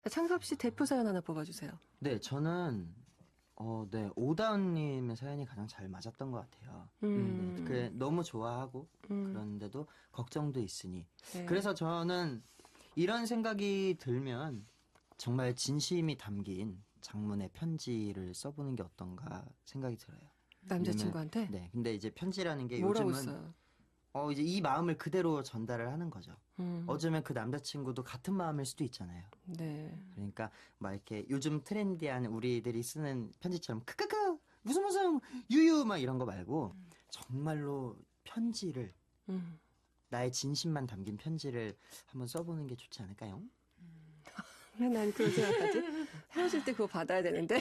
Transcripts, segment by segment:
창섭 씨 대표 사연 하나 뽑아주세요. 네, 저는 네, 오다운님의 사연이 가장 잘 맞았던 것 같아요. 네, 그래, 너무 좋아하고 그런데도 걱정도 있으니. 네. 그래서 저는 이런 생각이 들면 정말 진심이 담긴 장문의 편지를 써보는 게 어떤가 생각이 들어요. 남자친구한테? 왜냐면, 네, 근데 이제 편지라는 게 뭐라고 요즘은 써요? 이제 이 마음을 그대로 전달을 하는 거죠. 음. 어쩌면 그 남자친구도 같은 마음일 수도 있잖아요. 네. 그러니까 막 이렇게 요즘 트렌디한 우리들이 쓰는 편지처럼 크크크 무슨 유유 막 이런 거 말고 정말로 편지를 음. 나의 진심만 담긴 편지를 한번 써보는 게 좋지 않을까요? 왜 난 그런 생각하지? 헤어질 때 그거 받아야 되는데.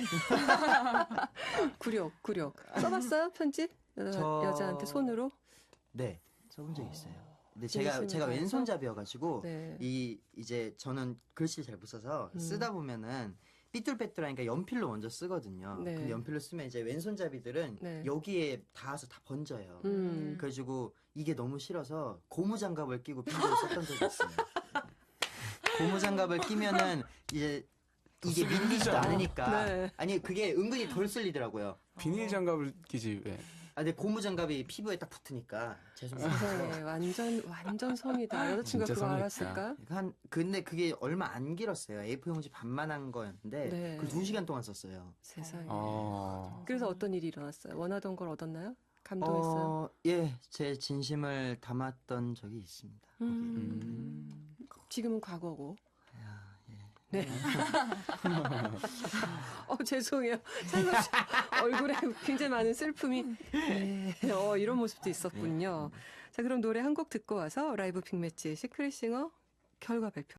굴욕. 써봤어요? 편지? 여자한테 손으로? 네, 써본 적 있어요. 근데 진심을 제가 다해서? 왼손잡이여가지고 네. 이제 저는 글씨를 잘 못 써서 쓰다 보면은 삐뚤빼뚤하니까 연필로 먼저 쓰거든요. 네. 근데 연필로 쓰면 이제 왼손잡이들은 네. 여기에 닿아서 다 번져요. 음. 그래가지고 이게 너무 싫어서 고무장갑을 끼고 편지를 썼던 적이 있어요. 고무장갑을 끼면은 이제 이게 밀리지도 않으니까. 네. 아니 그게 은근히 덜 쓸리더라고요. 비닐 장갑을 끼지 왜? 근데 고무장갑이 피부에 딱 붙으니까 죄송해요. 세상에 완전 성이다. 여자친구가 진짜 그거 성이 알았을까? 근데 그게 얼마 안 길었어요. A4 용지 반만한 거였는데 네. 그 2시간 동안 썼어요. 세상에. 그래서 그래서 어떤 일이 일어났어요? 원하던 걸 얻었나요? 감동했어요? 예, 제 진심을 담았던 적이 있습니다. 지금은 과거고. 야, 예. 네. 죄송해요. 창섭 씨 얼굴에 굉장히 많은 슬픔이. 네. 이런 모습도 있었군요. 자, 그럼 노래 한 곡 듣고 와서 라이브 빅매치 시크릿 싱어 결과 발표.